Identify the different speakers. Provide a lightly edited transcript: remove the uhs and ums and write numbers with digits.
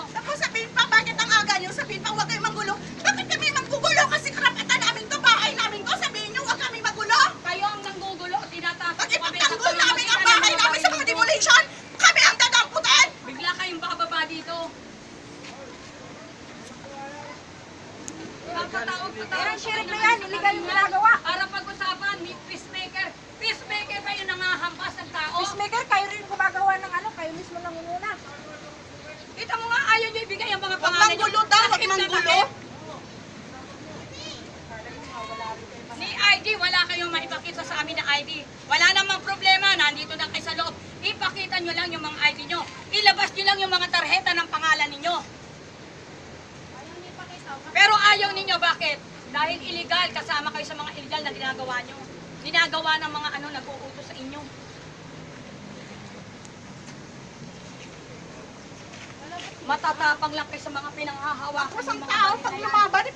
Speaker 1: Tapos sabihin pa, bakit ang aga niyo? Sabihin pa, huwag kayong manggulo. Bakit kami manggugulo? Kasi karapatan namin to, bahay namin to. Sabihin niyo, huwag kami magulo.
Speaker 2: Kayo ang nanggugulo, tinatapos
Speaker 1: Pag ipagtanggol namin ang bahay namin sa mga demolition, kami ang dadamputin.
Speaker 2: Bigla kayong bababa dito. Papatawag
Speaker 3: Pero sheriff na yan, illegal yung ginagawa.
Speaker 2: Para pag-usapan, may peacemaker. Peacemaker ba yung nangahampas ng tao?
Speaker 3: Peacemaker, kayo rin gumagawa ng ano, kayo mismo nangunguna.
Speaker 2: Kita mo nga, ayaw nyo ibigay ang mga
Speaker 1: Huwag
Speaker 2: pangalan nyo.
Speaker 1: manggulo daw, huwag
Speaker 2: Takip na
Speaker 1: manggulo.
Speaker 2: takip. Ni ID, wala kayong maipakita sa amin na ID. Wala namang problema, nandito na kayo sa loob. Ipakita nyo lang yung mga ID nyo. Ilabas nyo lang yung mga tarheta ng pangalan ninyo. Pero ayaw ninyo, bakit? Dahil illegal, kasama kayo sa mga illegal na ginagawa nyo. Ginagawa ng mga nag-uutos sa inyo. Matatapang lang kayo sa mga pinanghahawakan
Speaker 1: Tapos
Speaker 2: ng
Speaker 1: ang
Speaker 2: mga
Speaker 1: tao,
Speaker 2: bagay
Speaker 1: pag
Speaker 2: na yan.
Speaker 1: lumaban,